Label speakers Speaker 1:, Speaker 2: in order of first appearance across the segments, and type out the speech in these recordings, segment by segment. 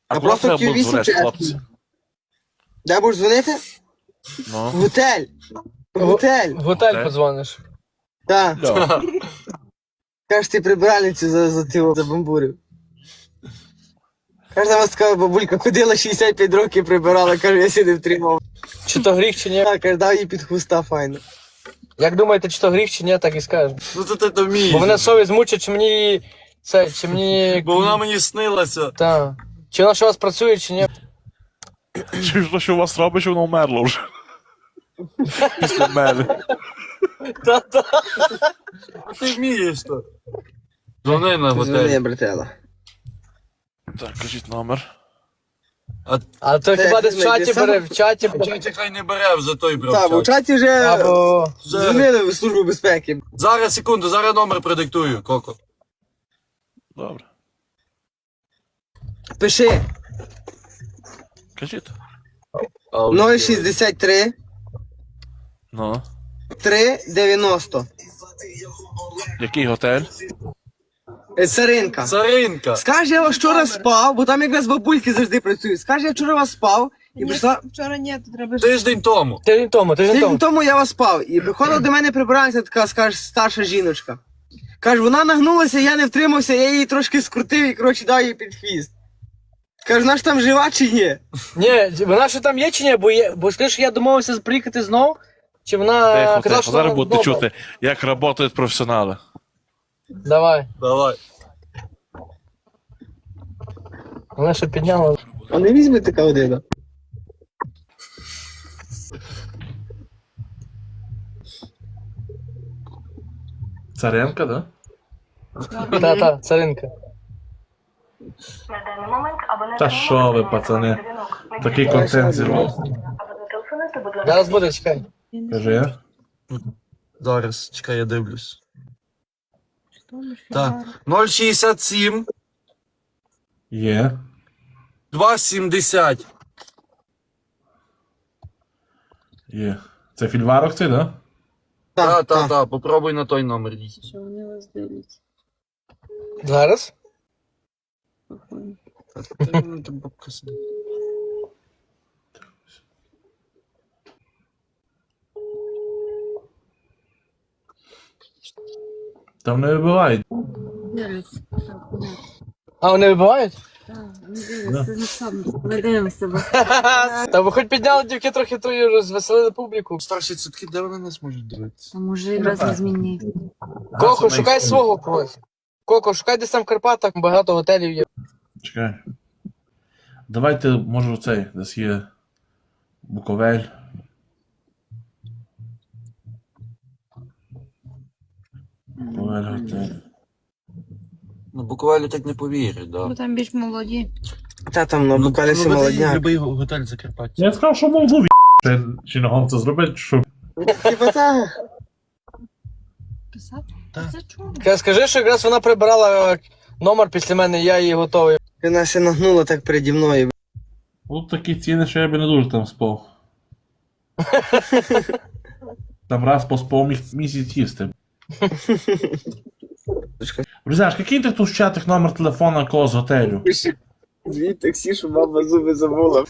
Speaker 1: А
Speaker 2: куди
Speaker 1: просто
Speaker 2: треба було
Speaker 1: Q8
Speaker 2: дзвонити,
Speaker 1: чи
Speaker 2: хлопці?
Speaker 1: F8? Де будеш дзвонити? В
Speaker 2: Ну.
Speaker 1: готель. В готель.
Speaker 3: В готель
Speaker 2: Окей.
Speaker 3: подзвониш.
Speaker 1: Так.
Speaker 2: Ля.
Speaker 1: Кажеш, ти прибиральницю забамбурив. Каже, там вас така бабулька ходила 65 років прибирала, каже, я сюди втримав.
Speaker 3: Чи то гріх, чи ні?
Speaker 1: Так, каже, дав їй під хуста файно.
Speaker 3: Як думаєте, чи то гріх, чи ні, так і скажемо.
Speaker 4: Ну то ти то вмієш.
Speaker 3: Бо мене совість мучить, чи мені це, чи мені.
Speaker 4: Бо вона мені снилася.
Speaker 3: Та. Чи вона ще у вас працює, чи ні?
Speaker 2: Чи ж то, що у вас робить, що воно вмерло вже? Після мене.
Speaker 3: Та-та.
Speaker 4: Ти вмієш то. Дзвони на
Speaker 1: Дзвони,
Speaker 4: готель.
Speaker 1: братела.
Speaker 2: Так, кажіть номер.
Speaker 3: А то
Speaker 1: Це
Speaker 3: хіба
Speaker 1: як
Speaker 3: десь в
Speaker 1: ми
Speaker 3: чаті
Speaker 1: десь
Speaker 3: бере,
Speaker 1: саме-
Speaker 3: в чаті.
Speaker 4: Чаті хай не бере, вже той брав.
Speaker 1: Так, бо в
Speaker 4: чат.
Speaker 1: чаті вже
Speaker 3: Або.
Speaker 1: дзвонили в службу безпеки.
Speaker 4: Зараз, секунду, зараз номер продиктую, Коко.
Speaker 2: Добре.
Speaker 1: Пиши
Speaker 2: Кажіть.
Speaker 1: 063
Speaker 2: Ну.
Speaker 1: 390.
Speaker 2: Який готель?
Speaker 1: Царинка.
Speaker 4: Царинка.
Speaker 1: Скаже, я вас вчора спав, бо там якраз бабульки завжди працюють. Скаже, я вчора вас спав і прийшла.
Speaker 5: Вчора ні, то треба ж.
Speaker 4: Тиждень тому.
Speaker 3: Тиждень тому, тиждень
Speaker 1: Тиждень
Speaker 3: тому.
Speaker 1: тому я вас спав. І приходила до мене прибиральниця така, скаже, старша жіночка. Каже, вона нагнулася, я не втримався, я її трошки скрутив і, коротше, дав їй під хвіст. Каже, вона ж там жива чи ні?
Speaker 3: Ні, вона ще там є чи ні? Бо скажи, я домовився приїхати знов, чи вона
Speaker 2: Тихо,
Speaker 3: казала,
Speaker 2: тихо.
Speaker 3: що
Speaker 2: Зараз
Speaker 3: вона
Speaker 2: будете
Speaker 3: вдома?
Speaker 2: чути, як працюють професіонали.
Speaker 3: Давай.
Speaker 4: Давай.
Speaker 3: Вона ще підняла.
Speaker 1: А не візьме така одина.
Speaker 2: Царенка, да?
Speaker 3: Та, царинка.
Speaker 6: На даний момент абонент
Speaker 2: Та що ви, пацани? Такий контент зірвав.
Speaker 6: або зателефонуйте, будь ласка.
Speaker 3: Зараз буде, чекай.
Speaker 2: Кажи.
Speaker 4: Зараз, чекай, я дивлюсь. Так. 067
Speaker 2: Є.
Speaker 4: 270.
Speaker 2: Є. Це фільварок цей, да?
Speaker 4: Та, попробуй на той номер їй.
Speaker 5: Що вони вас дивляться?
Speaker 3: Зараз?
Speaker 2: Там не вибивають.
Speaker 5: Дивляться.
Speaker 3: А, вони вибивають?
Speaker 5: Так, вони дивляться. Це сам. Ми дивимося, бо
Speaker 3: Та ви хоч підняли дівки трохи тою, розвеселили публіку.
Speaker 4: Старші цитки, де вони нас можуть дивитися?
Speaker 5: а може якраз не зміни.
Speaker 3: Коко, шукай свого когось. Коко, шукай десь там в Карпатах, багато готелів є.
Speaker 2: Чекай. Давайте, може, цей, десь є Буковель. Буковель готель.
Speaker 4: Ну, буквально так не повірять, да.
Speaker 5: Бо там більш молоді.
Speaker 1: Та там на буквально молодняк.
Speaker 4: Любий готель Закарпаття.
Speaker 2: Я сказав, що Молдові чи на гонце зробити, що
Speaker 1: Типа так.
Speaker 5: Писати?
Speaker 4: Так.
Speaker 5: Це чому?
Speaker 3: Скажи, що якраз вона прибирала номер після мене, я її готовий.
Speaker 1: Вона се нагнула так переді мною.
Speaker 2: тут такі ціни, що я би не дуже там спав. Там раз поспав місяць їсти. Друзяш, який ти тут в чатах номер телефона кого з готелю?
Speaker 1: Звідти таксі, що мама зуби забула.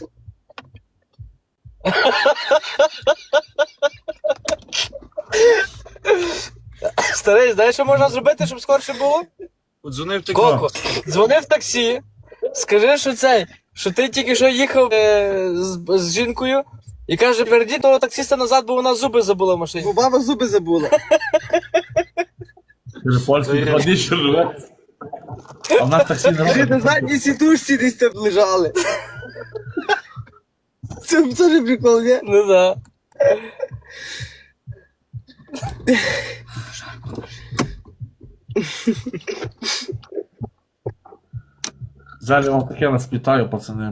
Speaker 3: Старий, знаєш, що можна зробити, щоб скорше було?
Speaker 4: Подзвонив ти
Speaker 3: Коко, дзвони в таксі, скажи, що ти тільки що їхав з жінкою, і каже, верді того таксиста назад, бо вона зуби забула в машині.
Speaker 1: Бо баба зуби забула.
Speaker 2: Польський ходить, що живе. А в нас таксі не
Speaker 1: Вже на
Speaker 2: робить.
Speaker 1: задній сідушці десь там лежали. Це теж прикол, ні?
Speaker 3: Ну да.
Speaker 2: Зараз я вам таке нас питаю, пацани.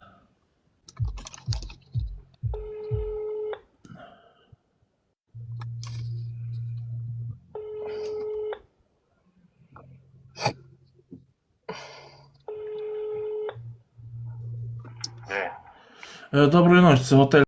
Speaker 2: Доброї ночі, це готель.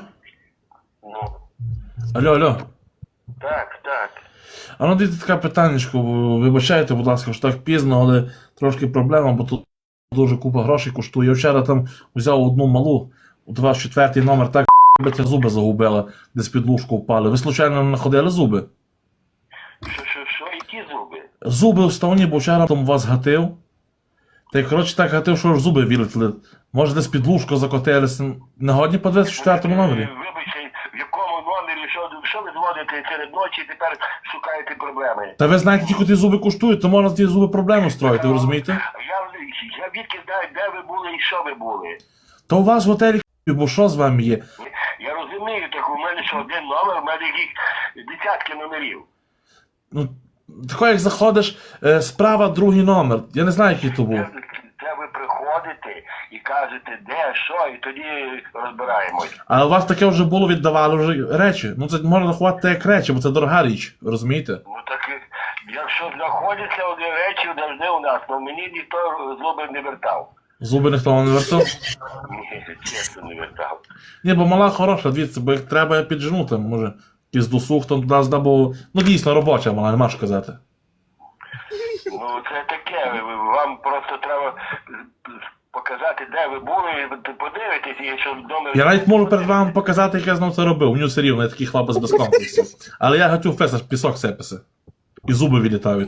Speaker 2: Алло.
Speaker 7: Так.
Speaker 2: А ну дивіться таке питаннячко, вибачайте, будь ласка, що так пізно, але трошки проблема, бо тут дуже купа грошей коштує. Я вчора там взяв одну малу, у 24-й номер, так биця зуби загубила, десь під лужку впали. Ви случайно не находили зуби?
Speaker 7: Що, які зуби?
Speaker 2: Зуби вставні, бо вчора там вас гатив. Та й коротше так гатив, що аж зуби вилетіли. Може десь під лужку закотилися. Не годні по 24-му номері?
Speaker 7: Вибачте, в якому номері, що ви дзвоните серед ночі і тепер шукаєте проблеми?
Speaker 2: Та ви знаєте, тільки ті зуби коштують, то можна з ті зуби проблему строїти, ви розумієте?
Speaker 7: Я відки знаю, де ви були і що ви були.
Speaker 2: То у вас в готелі бо що з вами є?
Speaker 7: Я розумію, так у мене що один номер, у мене їх десятки номерів.
Speaker 2: Ну, тако як заходиш, справа другий номер. Я не знаю, який то був.
Speaker 7: Це ви приходите і кажете, де, що, і тоді розбираємось.
Speaker 2: А у вас таке вже було, віддавали вже речі. Ну це можна рахувати як речі, бо це дорога річ, розумієте?
Speaker 7: Ну так, якщо знаходяться одні речі, завжди у нас, але мені ніхто зуби не вертав.
Speaker 2: Зуби ніхто вам не вертав?
Speaker 7: Ні, чесно не вертав.
Speaker 2: Ні, бо мала хороша, дивіться, бо їх треба підженути, може. Якийсь досуг там туди здав, бо... Ну дійсно робоча мала, нема що казати.
Speaker 7: Ну це таке, вам просто треба показати, де ви були, і подивитесь, і що вдома...
Speaker 2: Я навіть можу перед вами показати, як я знов це робив. У нього все рівно, я такий хлопець без комплексів. Але я гатю фес, аж пісок сипеться. І зуби вилітають.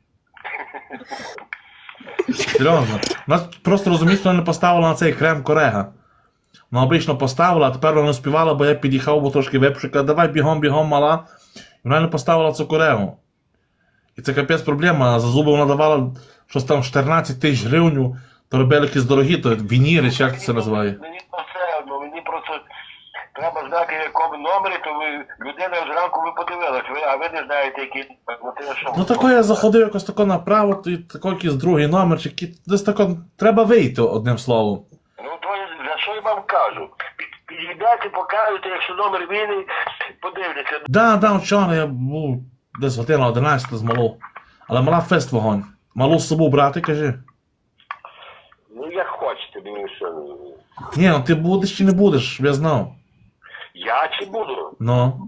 Speaker 2: Серйозно. Нас просто розумієте, вона не поставила на цей крем Корега. Вона обично поставила, а тепер вона не співала, бо я під'їхав, бо трошки випшив, каже, давай бігом, мала. І вона не поставила цю Корегу. І це капець проблема, а за зуби вона давала щось там 14 тисяч гривень, то робили якісь дорогі, то вініри, чи як це називає.
Speaker 7: Мені все одно, мені просто треба знати, в якому номері, то ви, людина зранку ви подивилась, а ви не знаєте, який, ну то я що?
Speaker 2: Ну тако я заходив якось тако направо, то і тако якийсь другий номер, чи десь тако, треба вийти, одним словом.
Speaker 7: Ну то за що я вам кажу? Підійдете, покажете, якщо номер вільний, подивляться.
Speaker 2: Да, вчора я був десь година 11 з малу. Але мала фест вогонь. Малу з собою брати, кажи.
Speaker 7: Ну як хочете, мені що.
Speaker 2: Ні, ну ти будеш чи не будеш, я знав.
Speaker 7: Я чи буду?
Speaker 2: Ну.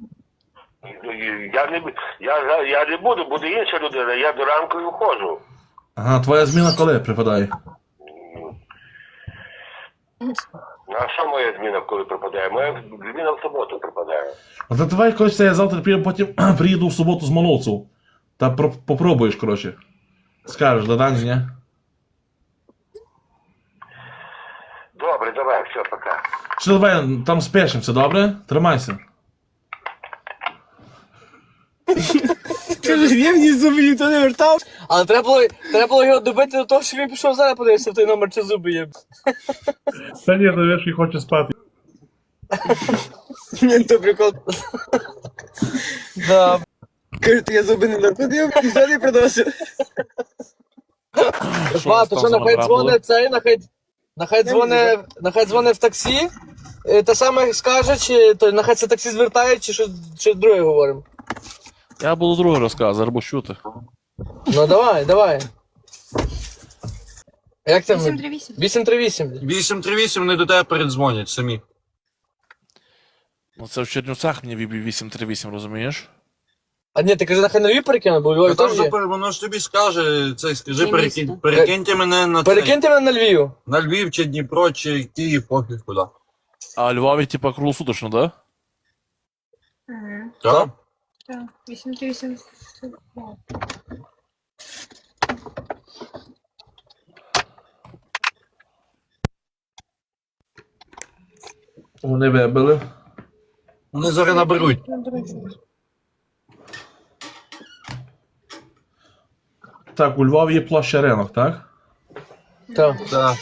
Speaker 7: Я не буду, буде інша людина, я до ранку і входжу.
Speaker 2: Ага, твоя зміна коли припадає?
Speaker 7: Ну, а що моя зміна коли припадає? Моя зміна в суботу припадає.
Speaker 2: Ну то давай, коротше, я завтра потім приїду в суботу з Молодців. Та попробуєш, коротше. Скажеш, да Дані, ні?
Speaker 7: Добре, давай, все, пока.
Speaker 2: Чи давай там спешимося, добре? Тримайся.
Speaker 1: Каже, я мені зуби ніхто не вертав.
Speaker 3: Але треба було його добити до того, що він пішов зараз подивився в той номер, чи зуби є.
Speaker 2: Та ні, то вірш і хоче спати.
Speaker 1: Ні, то прикол.
Speaker 3: Да.
Speaker 1: Каже, я зуби не находив, ніхто не продався.
Speaker 3: Ба, то що, нехай дзвонить цей, нехай дзвонить в таксі, те саме скаже, чи то нехай це таксі звертає, чи щось чи друге говоримо.
Speaker 2: Я буду другий розказ, або чути.
Speaker 3: Ну давай. Як там?
Speaker 5: 838.
Speaker 3: 838.
Speaker 4: 838 вони до тебе передзвонять самі.
Speaker 2: Ну це в Чернівцях мені віб'є 838, розумієш?
Speaker 3: А ні, ти кажи, нехай нові перекину, бо у Львові
Speaker 4: Там
Speaker 3: теж є.
Speaker 4: воно ж тобі скаже, це скажи,
Speaker 5: Чи місто?
Speaker 4: перекиньте мене на цей,
Speaker 3: Перекиньте мене на Львів.
Speaker 4: на Львів, чи Дніпро, чи Київ, пофіг куди.
Speaker 2: А Львові, типа, круглосуточно, да?
Speaker 4: Так?
Speaker 5: Так, 838.
Speaker 2: Вони вибили.
Speaker 4: Вони зараз наберуть.
Speaker 2: Так, у Львові є площа ринок, так?
Speaker 3: Так.
Speaker 4: Так.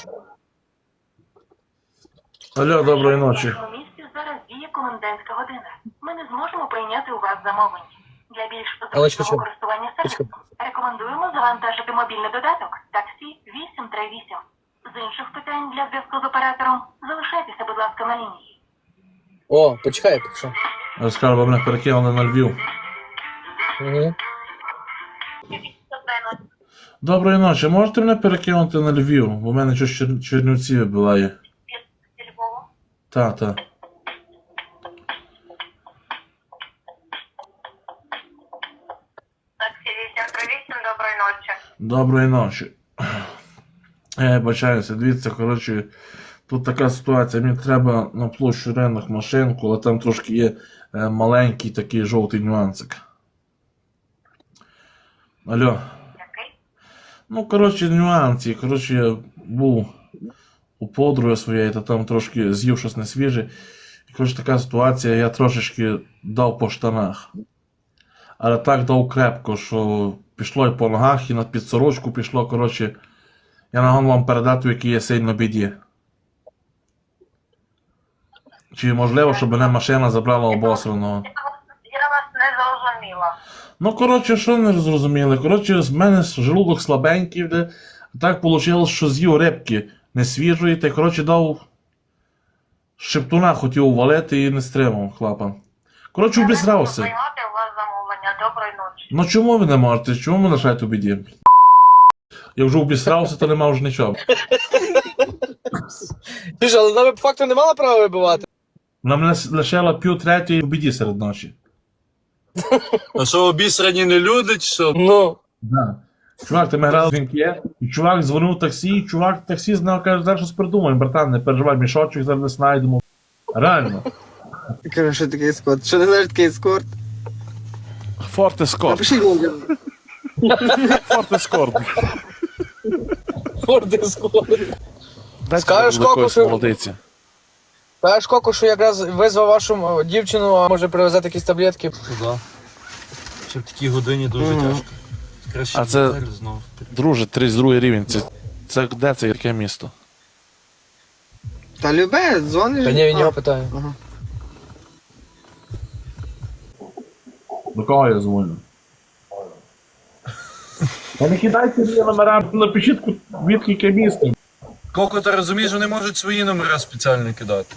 Speaker 2: Алло, доброї ночі.
Speaker 6: У місті зараз діє комендантська година. Ми не зможемо прийняти у вас замовлення. Для більш
Speaker 3: Алечка,
Speaker 6: зручного користування сервісом рекомендуємо завантажити мобільний додаток таксі 838. З інших питань для зв'язку з оператором залишайтеся, будь ласка, на лінії.
Speaker 3: О, почекай, поки що.
Speaker 2: Я скажу, бо мене перекинули на Львів.
Speaker 3: Угу.
Speaker 2: Доброї ночі, можете мене перекинути на Львів? Бо в мене щось Чернівці вибиває.
Speaker 6: Львова.
Speaker 2: Та.
Speaker 6: Таксі 838, доброї ночі.
Speaker 2: Доброї ночі. Я бачаюся, дивіться, коротше, тут така ситуація, мені треба на площу ринок машинку, але там трошки є маленький такий жовтий нюансик. Алло. Ну, коротше, нюанси. Коротше, я був у подруги своєї, та там трошки з'їв щось несвіже. І, коротше, така ситуація, я трошечки дав по штанах. Але так дав крепко, що пішло і по ногах, і на підсорочку пішло, коротше. Я нагон вам передати, в якій я сильно біді. Чи можливо, щоб мене машина забрала обосраного?
Speaker 6: Я вас не зрозуміла.
Speaker 2: Ну, коротше, що не зрозуміли? Коротше, з мене желудок слабенький, де так вийшло, що з'їв рибки несвіжої, та коротше дав шептуна хотів валити і не стримав хлопа. Коротше, обісрався.
Speaker 6: Приймати у вас замовлення. Доброї ночі.
Speaker 2: Ну чому ви не можете? Чому ви лишаєте у біді? Я вже обісрався, то нема вже нічого.
Speaker 3: Ти ж, але вона по факту не мала права вибивати.
Speaker 2: Вона мене лишила пів-третьої у біді серед ночі.
Speaker 4: А що, обісрані не люди, чи що?
Speaker 3: Ну.
Speaker 2: Да. Чувак, ти ми грали в дзвінки, і чувак дзвонив в таксі, і чувак в таксі знав, каже, зараз щось придумаємо, братан, не переживай, мішочок зараз не знайдемо. Реально.
Speaker 1: Кажу, що таке ескорт? Що не знаєш таке ескорт?
Speaker 2: Форт Ескорт.
Speaker 1: Напишіть мені.
Speaker 2: Форт Ескорт.
Speaker 3: Форди скоро. Скажеш, Коку, що... Скажеш, Коку, що якраз визвав вашу дівчину, а може привезти якісь таблетки.
Speaker 4: Да. Ще в такій годині дуже тяжко. Краще
Speaker 8: А це-
Speaker 4: готель знов.
Speaker 8: Друже, 32 рівень. Це де це яке місто?
Speaker 1: Та любе, дзвониш.
Speaker 3: Та ні, він його питає.
Speaker 1: Ага.
Speaker 2: До кого я дзвоню? Та не кидайте мені номера, напишіть, відки яке місто.
Speaker 4: Коко, ти розумієш, вони можуть свої номера спеціально кидати.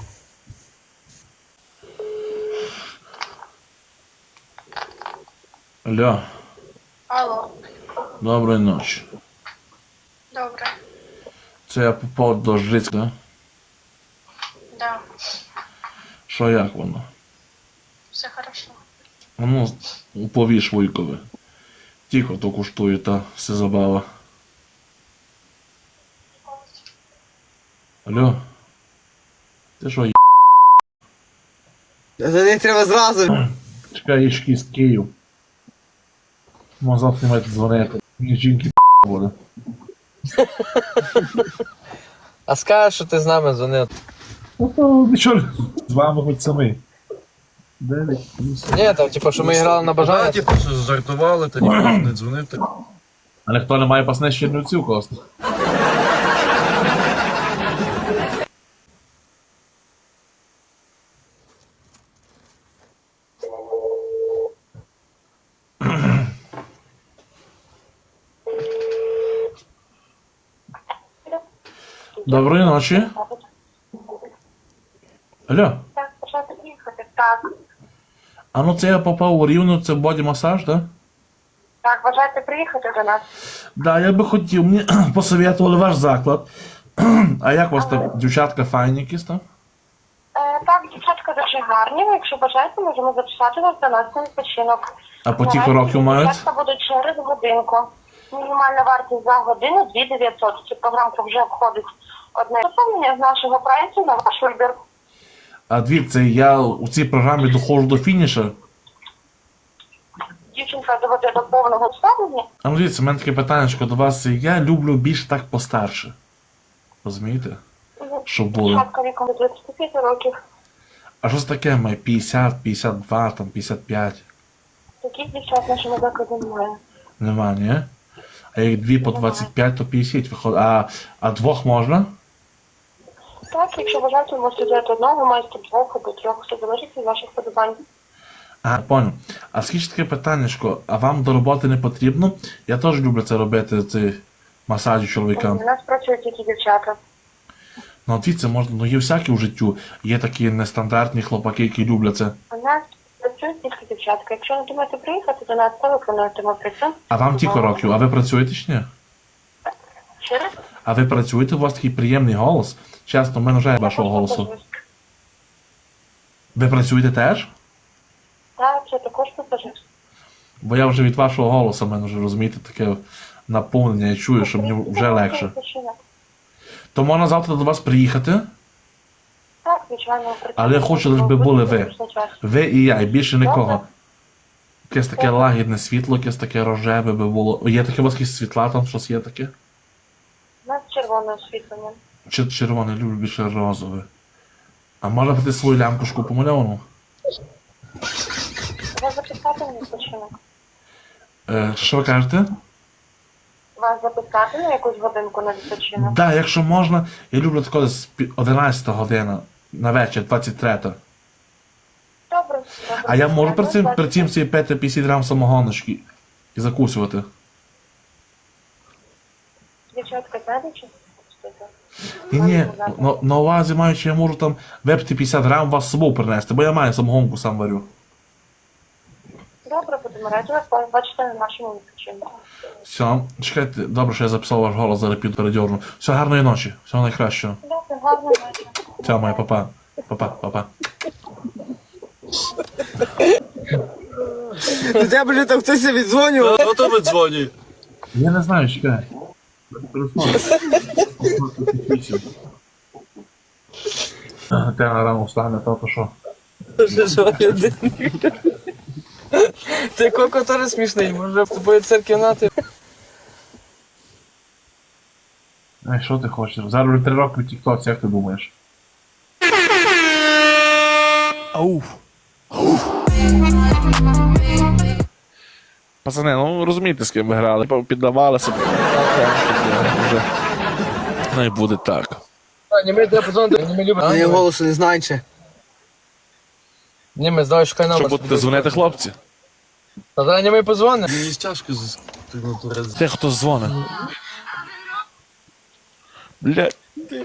Speaker 2: Алло,
Speaker 5: Алло,
Speaker 2: доброї ночі.
Speaker 5: добре.
Speaker 2: Це я попав до Жицька, да?
Speaker 5: Да,
Speaker 2: Що як воно?
Speaker 5: все хорошо.
Speaker 2: Ну, уповіш Вуйкове. Тільки то коштує та все забава. Алло? Ти що,
Speaker 1: За них треба зразу.
Speaker 2: чекай, ішки з Київ. Може завтра маєте дзвонити. Мені жінки буде.
Speaker 3: А скажеш, що ти з нами дзвонив.
Speaker 2: Ну то нічого, з вами хоч самі.
Speaker 3: Ні, там, типу, що ми грали на бажання.
Speaker 4: Да, типу, що жартували, та ніхто ж не дзвонив. Так.
Speaker 2: Але хто не має пасне Чернівців, Коста? Доброї ночі. Алло,
Speaker 6: Так, почати їхати. Так.
Speaker 2: а ну це я попав у Рівну, це боді-масаж, так?
Speaker 6: Так, бажаєте приїхати до нас?
Speaker 2: Да, я би хотів, мені посоветували ваш заклад. А як у вас там дівчатка файні якісь там?
Speaker 6: Так, дівчатка дуже гарні. Якщо бажаєте, можемо записати вас до нас на відпочинок.
Speaker 2: А по тільки років мають?
Speaker 6: Дівчатка будуть через годинку. Мінімальна вартість за годину 2900. Ця програмка вже входить одне доповнення з нашого прайсу на ваш вибір.
Speaker 2: А дивіться, я у цій програмі доходжу до фініша.
Speaker 6: Дівчинка доведе до повного обставлення.
Speaker 2: А ну дивіться, у мене таке питання до вас. Я люблю більш так постарше. Розумієте? Щоб було.
Speaker 6: Дівчатка віком до 25 років.
Speaker 2: А що це таке має 50, 52, там 55?
Speaker 6: Таких дівчат в нашому закладі немає.
Speaker 2: Нема, ні? А як дві по 25, то 50 виходить. А двох можна?
Speaker 6: Так, якщо бажаєте, можете взяти одного, маєте двох або трьох, все залежить від ваших подобань.
Speaker 2: А, понял. А скажіть таке питаннячко, а вам до роботи не потрібно? Я теж люблю це робити, ці масажі чоловікам.
Speaker 6: У нас працюють тільки дівчата.
Speaker 2: Ну, от дивіться, можна, ну є всякі в життю. Є такі нестандартні хлопаки, які люблять це.
Speaker 6: У нас працюють тільки дівчатка. Якщо не думаєте приїхати до нас, телефонуйте, ми працюємо.
Speaker 2: А вам тільки років, а ви працюєте чи ні?
Speaker 6: Ще раз?
Speaker 2: А ви працюєте, у вас такий приємний голос. Чесно, мене вже вашого голосу. Ви працюєте теж?
Speaker 6: Так, це також пасажир.
Speaker 2: Бо я вже від вашого голосу, мене вже, розумієте, таке наповнення, я чую, що мені вже легше. То можна завтра до вас приїхати,
Speaker 6: Так, звичайно,
Speaker 2: але я хочу, щоб були ви. Ви і я, і більше нікого. Якесь таке лагідне світло, якесь таке рожеве би було. Є таке у вас якісь світла там, щось є таке?
Speaker 6: У нас червоне освітлення.
Speaker 2: Чи червоне, люблю більше розове. А можна піти свою лямпушку помальовану?
Speaker 6: Вас записати на відпочинок?
Speaker 2: Що ви кажете?
Speaker 6: Вас записати на якусь годинку на відпочинок?
Speaker 2: Так, якщо можна, я люблю таке з 11 година на вечір, 23.
Speaker 6: Добре.
Speaker 2: А я можу при цим собі пити 50 грам самогоночки і закусувати?
Speaker 6: Дівчатка, знаєте, чи?
Speaker 2: Ні, на увазі маючи, я можу там випити 50 грам вас з собою принести, бо я маю самогонку, сам варю.
Speaker 6: Добре, будемо раді вас бачити на нашому відпочинку.
Speaker 2: Все, чекайте, добре, що я записав ваш голос, зараз піду передьорну. Все, гарної ночі, всього найкращого.
Speaker 6: Добре, гарно вечір.
Speaker 2: Все, моя папа. Папа.
Speaker 1: До тебе вже там хтось віддзвонював.
Speaker 4: Хто тобі дзвонить?
Speaker 2: Я не знаю, чекай. Те рано встане, то що.
Speaker 3: Ти Коко теж смішний, може в тобою церкві нати.
Speaker 2: Ай, що ти хочеш? Зараз вже 3 роки в тіктоці, як ти думаєш?
Speaker 8: Ауф. Пацани, ну розумієте, з ким ви грали. Піддавалися. Вже. Ну і буде так.
Speaker 3: Німець треба подзвонити, Німець любить.
Speaker 1: А я голосу не знаю ще.
Speaker 3: Німець, давай шукай
Speaker 8: Що
Speaker 3: номер.
Speaker 8: будете дзвонити, хлопці?
Speaker 3: Та зараз Німець подзвонить.
Speaker 4: Мені тяжко
Speaker 8: Те, хто дзвонить. Блядь.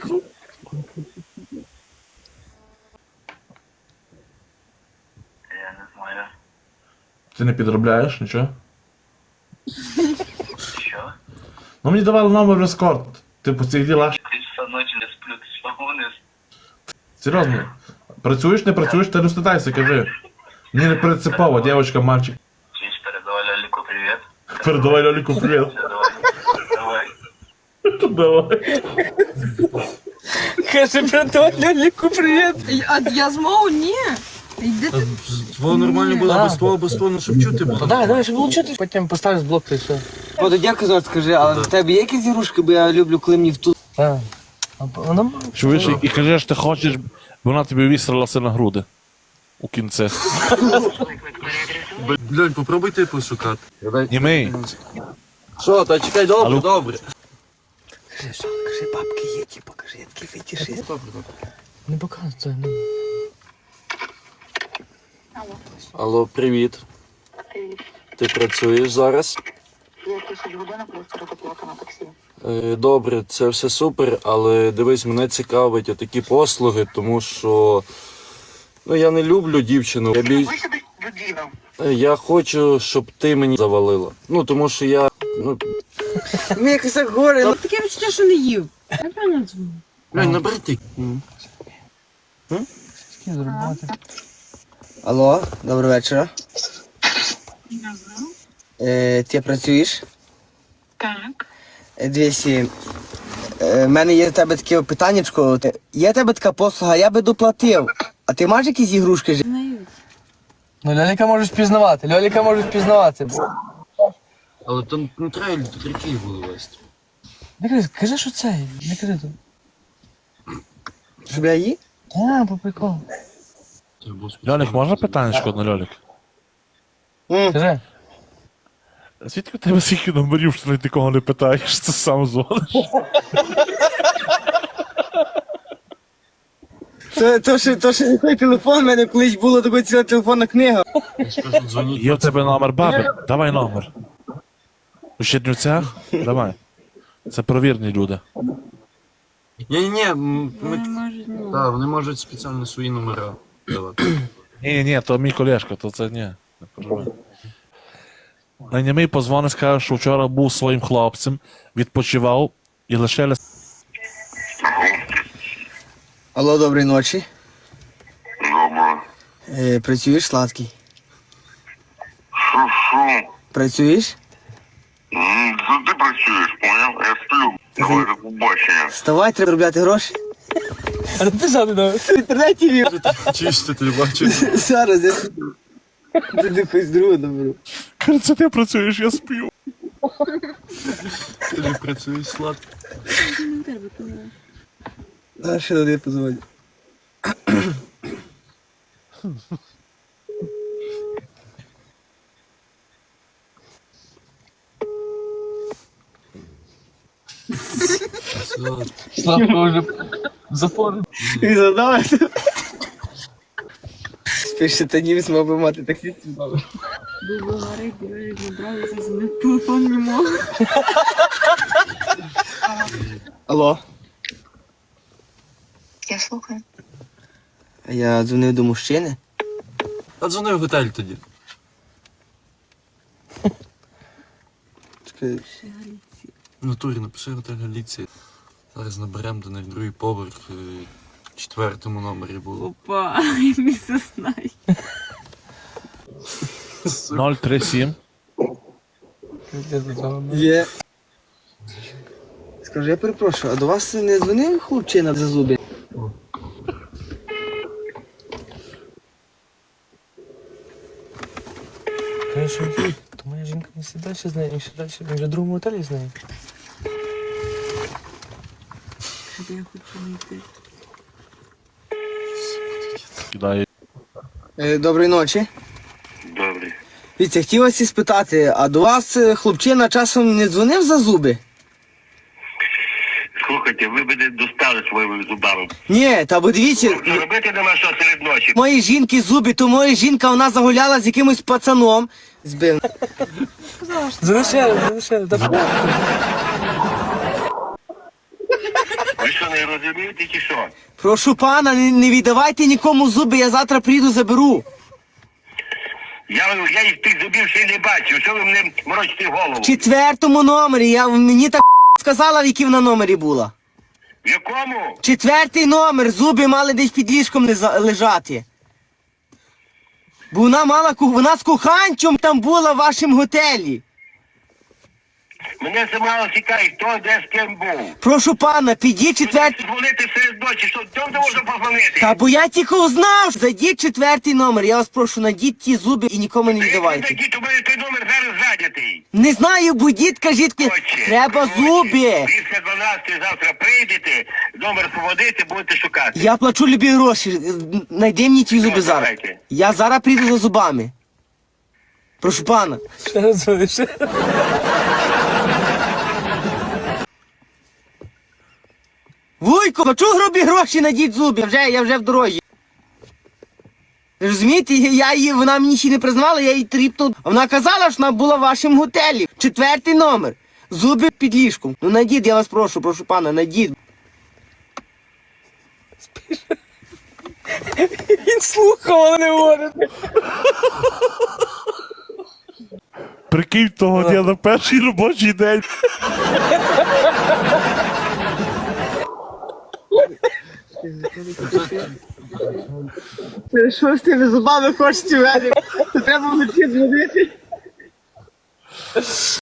Speaker 7: Я не знаю.
Speaker 2: Ти не підробляєш нічого?
Speaker 7: Що?
Speaker 2: Ну мені давали номер в ескорт. Типу цих діла.
Speaker 7: 3 часа ночі не сплю, ти що гониш?
Speaker 2: Серйозно. Працюєш, не працюєш, ти не стидайся, кажи. Мені не принципово, дівчинка, мальчик.
Speaker 7: Чуєш, передавай Ляліку привіт.
Speaker 2: Передавай Льоліку привіт.
Speaker 7: Давай.
Speaker 2: Давай.
Speaker 3: Каже, браток, Ляліку, привіт.
Speaker 9: А я змову? Ні. Йди ти.
Speaker 4: Твого нормально було, без того, ну щоб чути було.
Speaker 3: Давай, щоб було чути. Потім поставиш блок і все.
Speaker 1: О, то дякую, Зор, скажи, але в тебе є якісь ігрушки, бо я люблю, коли мені в ту...
Speaker 3: Так. Воно
Speaker 8: Чуєш, і кажеш, ти хочеш, бо вона тобі вістрилася на груди. У кінці.
Speaker 4: Блядь, попробуй ти пошукати.
Speaker 8: Німий.
Speaker 4: Що, та чекай, добре, добре.
Speaker 1: Кажи, що? Кажи, бабки є, ті, покажи, я такий фетішист.
Speaker 3: не показує. це, ну.
Speaker 4: Алло, привіт. Ти працюєш зараз?
Speaker 6: Я 10 годинок просто роботи на таксі.
Speaker 4: Добре, це все супер, але дивись, мене цікавить такі послуги, тому що ну я не люблю дівчину.
Speaker 6: Ви сюди людину.
Speaker 4: Я хочу, щоб ти мені завалила. Ну тому що я. Ну,
Speaker 1: Мені якось так горе. Ну,
Speaker 9: Таке відчуття, що не їв. Я правильно дзвоню.
Speaker 4: блядь, набери ти.
Speaker 1: Алло, доброго вечора. Ти працюєш?
Speaker 5: Так.
Speaker 1: Дивіться, в мене є до тебе таке питаннячко. Є в тебе така послуга, я би доплатив. А ти маєш якісь ігрушки?
Speaker 3: Ну, Ляліка може впізнавати, Ляліка може впізнавати.
Speaker 4: Але там не треба літриків було вести.
Speaker 3: Не кажи, кажи, що це, не кажи тут.
Speaker 1: Щоб я її?
Speaker 3: А, по приколу.
Speaker 8: Льолік, можна питаннячко одне, Льолік?
Speaker 3: Кажи.
Speaker 8: Звідки в тебе скільки номерів, що ти нікого не питаєш, це сам дзвониш?
Speaker 1: То, що не той телефон, в мене колись була така ціла телефонна книга.
Speaker 8: Є в тебе номер баби? Давай номер. У Чернівцях? Давай. Це провірні люди.
Speaker 4: Ні, так, вони можуть спеціально свої номера давати.
Speaker 8: Ні, то мій колешка, то це ні. Не переживай. На німий позвонить, скаже, що вчора був своїм хлопцем, відпочивав і лише
Speaker 1: Алло, доброї ночі.
Speaker 7: Добре.
Speaker 1: Працюєш, сладкий?
Speaker 7: Що?
Speaker 1: Працюєш?
Speaker 7: Ти працюєш, поняв? Я сплю. Може побачення.
Speaker 1: Вставай, треба робляти гроші.
Speaker 3: А ти сам не дав.
Speaker 1: В інтернеті вів.
Speaker 4: Чисто ти бачиш.
Speaker 1: Зараз я туди хоч другу наберу.
Speaker 8: Каже, це ти працюєш, я сплю.
Speaker 4: Ти працюєш сладко.
Speaker 1: А ще туди позвоню.
Speaker 3: Славко вже зафон.
Speaker 1: І задав. Спише, та німець мав би мати таксистів.
Speaker 9: Був говорить, дивись, набралися з телефон не мог.
Speaker 1: Алло.
Speaker 5: Я слухаю.
Speaker 1: Я дзвонив до мужчини.
Speaker 4: А дзвони в готель тоді.
Speaker 1: Чекай.
Speaker 4: В натурі напиши готель Галіція. Зараз наберемо до них другий поверх. В 4-му номері було.
Speaker 9: Опа, місце знає.
Speaker 8: 037.
Speaker 1: Є. Скажи, я перепрошую, а до вас не дзвонив хлопчина за зуби?
Speaker 3: Конечно, то моя жінка не все далі з нею, він ще далі, він вже в другому готелі з нею.
Speaker 9: Де я хочу знайти?
Speaker 8: Кидає.
Speaker 1: Доброї ночі.
Speaker 7: Добре.
Speaker 1: Віця, хотів вас і спитати, а до вас хлопчина часом не дзвонив за зуби?
Speaker 7: Слухайте, ви мене достали своїми зубами.
Speaker 1: Ні, та бо дивіться,
Speaker 7: Робити нема що серед ночі.
Speaker 1: мої жінки зуби, то моя жінка, вона загуляла з якимось пацаном. Збив.
Speaker 3: Залишили, так.
Speaker 7: Ви що, не розумієте чи що?
Speaker 1: Прошу пана, не віддавайте нікому зуби, я завтра прийду заберу.
Speaker 7: Я їх тих зубів ще й не бачив. Що ви мене морочите голову?
Speaker 1: В 4-му номері, мені так сказала, в якій вона номері була.
Speaker 7: В якому?
Speaker 1: 4-й номер, зуби мали десь під ліжком лежати. Бо вона з коханчом там була в вашому готелі.
Speaker 7: Мене це мало цікавить, хто де з ким був.
Speaker 1: Прошу пана, підіть 4-й...
Speaker 7: Дзвонити серед ночі, що де можна позвонити?
Speaker 1: Та бо я тільки узнав, зайдіть 4-й номер, я вас прошу, надіть ті зуби і нікому не віддавайте.
Speaker 7: Які, то мене той номер зараз зайнятий.
Speaker 1: Не знаю, будіть, кажіть, треба зуби.
Speaker 7: Після 12 завтра прийдете, номер поводити, будете шукати.
Speaker 1: Я плачу любі гроші, найди мені ті зуби зараз.
Speaker 7: Давайте.
Speaker 1: Я зараз прийду за зубами. Прошу пана.
Speaker 3: Ще раз дзвониш.
Speaker 1: Вуйко, плачу грубі гроші, найдіть зуби, я вже в дорозі. Розумієте, вона мені ще не признавала, я їй тріпнув. А вона казала, що вона була в вашому готелі. 4-й номер. Зуби під ліжком. Ну найдіть, я вас прошу пана, найдіть.
Speaker 3: Він слухав, але не говорить.
Speaker 8: Прикинь того дня на перший робочий день.
Speaker 1: Що з тими зубами хочете в мене? Треба вночі дзвонити.